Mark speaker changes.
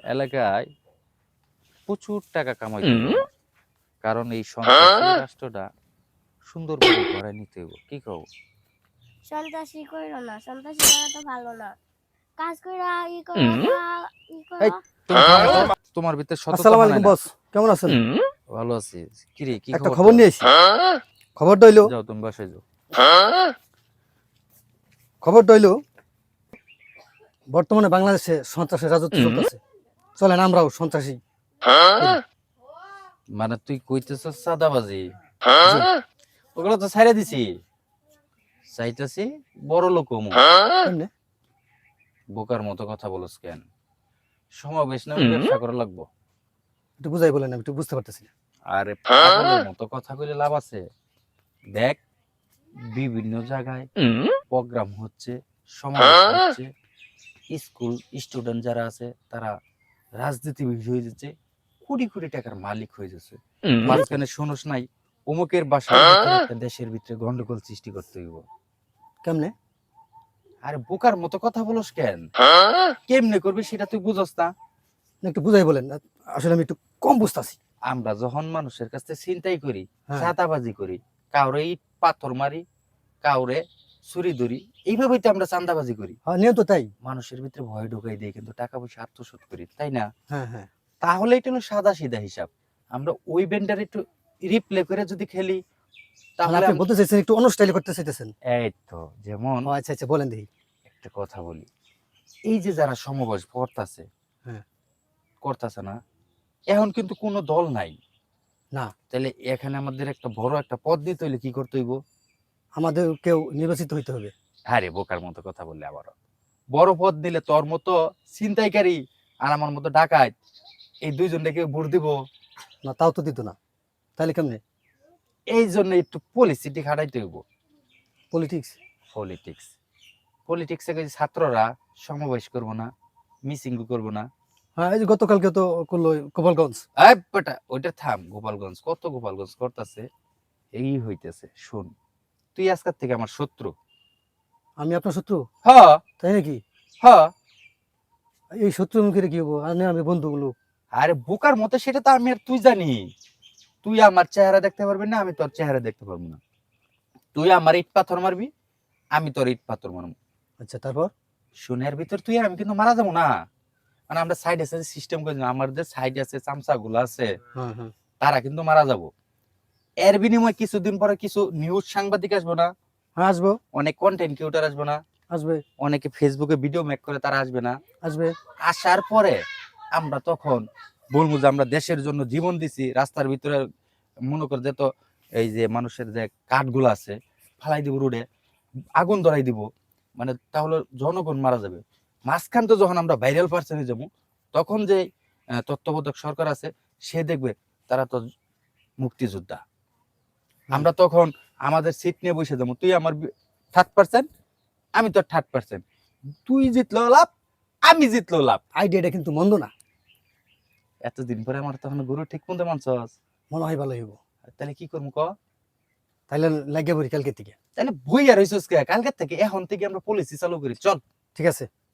Speaker 1: এলাকায় প্রচুর টাকা কামাইতে হবে। কারণ এই সন্ত্রাসী রাষ্ট্রটা সুন্দরভাবে গড়ায় নিতে হবে। কি কও?
Speaker 2: সন্ত্রাসী কইরো না, সন্ত্রাসী করা তো ভালো না। কাজ কইরা ই করো, ই
Speaker 1: এই
Speaker 2: করো।
Speaker 1: তুমি থামো তো। তোমার ভিতরে সততা
Speaker 3: আসসালামু
Speaker 1: মানায়
Speaker 3: আলাইকুম
Speaker 1: না।
Speaker 3: বস, কেমন আছেন?
Speaker 1: ভালো আছি। কি রে, কি
Speaker 3: একটা
Speaker 1: খবর
Speaker 3: খবর
Speaker 1: তোর?
Speaker 3: নিয়ে এসেছি। খবরটা হইলো
Speaker 1: যাও তুমি বাসায় যাও।
Speaker 3: খবরটা হইলো বর্তমানে বাংলাদেশে সন্ত্রাসের রাজত্ব চলতেছে। চলেন আমরাও সন্ত্রাসী করি।
Speaker 1: মানে তুই কইতেছস চাঁদাবাজি?
Speaker 3: জি।
Speaker 1: ওগুলো তো ছাইড়া দিছি। চাইতেছি বড় লোক হমু।
Speaker 3: কেমনে?
Speaker 1: বোকার মতো কথা বলস কেন? সমাবেশ নামে ব্যবসা করা লাগবো।
Speaker 3: একটু বুঝাই বলেন, আমি একটু বুঝতে পারতেছি না।
Speaker 1: আরে পাগলের মতো কথা কইলে লাভ আছে? দেখ, বিভিন্ন জায়গায় প্রোগ্রাম হচ্ছে, সমাবেশ হচ্ছে, স্কুল স্টুডেন্ট যারা আছে তারা রাজনীতিবিদ হয়ে যাচ্ছে, কোটি কোটি টাকার মালিক হয়ে যাচ্ছে। মাঝখানে শোনস নাই অমুকের বাসার ভিতরে একটা দেশের ভিতরে গন্ডগোল সৃষ্টি করতে হইব।
Speaker 3: কেমনে?
Speaker 1: আরে বোকার মতো কথা বলস কেন? কেমনে করবি সেটা তুই বুঝস না?
Speaker 3: একটু বুঝাই বলেন, আসলে আমি একটু কম বুঝতেছি।
Speaker 1: আমরা যখন মানুষের কাছে চিন্তাই করি,
Speaker 3: হ্যাঁ।
Speaker 1: চাঁদাবাজি করি, কাউরে ইট পাথর মারি, কাউরে ছুরি ধরি, এইভাবেই তো আমরা চাঁদাবাজি করি।
Speaker 3: হ্যাঁ, নিয়ম তো তাই।
Speaker 1: মানুষের ভিতরে ভয় ঢুকাই দিয়ে কিন্তু টাকা পয়সা আত্মসাৎ করি, তাই না?
Speaker 3: হ্যাঁ হ্যাঁ।
Speaker 1: তাহলে এটা হলো সাদা সিধা হিসাব। আমরা ওই বেন্ডার একটু রিপ্লে করে যদি খেলি
Speaker 3: মানে
Speaker 1: তাহলে
Speaker 3: আপনি বলতে চাইছেন একটু অন্য স্টাইলে করতে চাইতেছেন?
Speaker 1: এই তো যেমন
Speaker 3: ও আচ্ছা আচ্ছা, বলেন দেখি।
Speaker 1: একটা কথা বলি, এই যে যারা সমবয়স করতেছে,
Speaker 3: হ্যাঁ।
Speaker 1: করতেছে না, এখন কিন্তু কোনো দল নাই
Speaker 3: না,
Speaker 1: তাহলে এখানে আমাদের একটা বড় একটা পদ দিতে হইলে কি করতে হইব?
Speaker 3: আমাদের কেউ নির্বাচিত হইতে হবে।
Speaker 1: আরে বোকার মতো কথা বললে আবারও। বড় পদ দিলে তোর মতো ছিনতাইকারী আর আমার মতো ডাকাত এই দুইজনটাকে ভোট দিব?
Speaker 3: না, তাও তো দিত না। তাহলে কেমনে?
Speaker 1: এই জন্য একটু পলিসিটি খাটাইতে হইব।
Speaker 3: পলিটিক্স?
Speaker 1: পলিটিক্স পলিটিক্সে ছাত্ররা সমাবেশ করবো না, মিসিং করবো না।
Speaker 3: হ্যাঁ, এই যে গতকালকে তো করলো গোপালগঞ্জ।
Speaker 1: এই বেটা ওইটা থাম, গোপালগঞ্জ কত গোপালগঞ্জ করতেছে, এই হইতেছে। শুন, তুই আজকের থেকে আমার শত্রু।
Speaker 3: আমি আপনার শত্রু?
Speaker 1: হ
Speaker 3: তাই নাকি?
Speaker 1: হ।
Speaker 3: এই শত্রু মুখে কি হবো? আর না, আমি বন্ধুগুলো।
Speaker 1: আরে বোকার মতো সেটা তো আমি আর তুই জানি। তুই আমার চেহারা দেখতে পারবি না, আমি তোর চেহারা দেখতে পারবো না। তুই আমার ইট পাথর মারবি, আমি তোর ইট পাথর মারবো।
Speaker 3: আচ্ছা, তারপর?
Speaker 1: শুনের ভিতর তুই আর আমি কিন্তু মারা যাবো না। মানে আমরা সাইড আছে সিস্টেম করে আমাদের সাইড আছে চামচা গুলো আছে,
Speaker 3: হ্যাঁ হ্যাঁ।
Speaker 1: তারা কিন্তু মারা যাবো। এর বিনিময়ে কিছুদিন পরে কিছু নিউজ সাংবাদিক আসবো না,
Speaker 3: হ্যাঁ, আসবো।
Speaker 1: অনেক কন্টেন্ট ক্রিয়েটর আসবো না,
Speaker 3: আসবে।
Speaker 1: অনেকে ফেসবুকে ভিডিও মেক করে তারা আসবে না।
Speaker 3: আসবে।
Speaker 1: আসার পরে আমরা তখন বলবো যে আমরা দেশের জন্য জীবন দিছি। রাস্তার ভিতরে মনে করে যে তো এই যে মানুষের যে কাঠগুলো আছে ফালাই দিব, রোডে আগুন ধরাই দিব, মানে তাহলে জনগণ মারা যাবে। মাঝখান তো যখন আমরা ভাইরাল পার্সন হয়ে যাবো, তখন যে তত্ত্বাবধায়ক সরকার আছে সে দেখবে তারা তো মুক্তিযোদ্ধা। আমরা তখন আমাদের সিট নিয়ে বসে যাবো, তুই আমার 30%, আমি তোর 30%, তুই জিতলো লাভ, আমি জিতলো লাভ।
Speaker 3: আইডিয়াটা কিন্তু মন্দ না।
Speaker 1: এতদিন পরে আমার তখন গরু ঠিক মতো মানছস,
Speaker 3: মনে হয় ভালো হইব।
Speaker 1: তাহলে কি করবো ক?
Speaker 3: তাইলে লাগিয়ে পড়ি কালকে থেকে।
Speaker 1: তাহলে বই আর হইছস কে? কালকের থেকে এখন থেকে আমরা পলিসি চালু করি, চল।
Speaker 3: ঠিক আছে।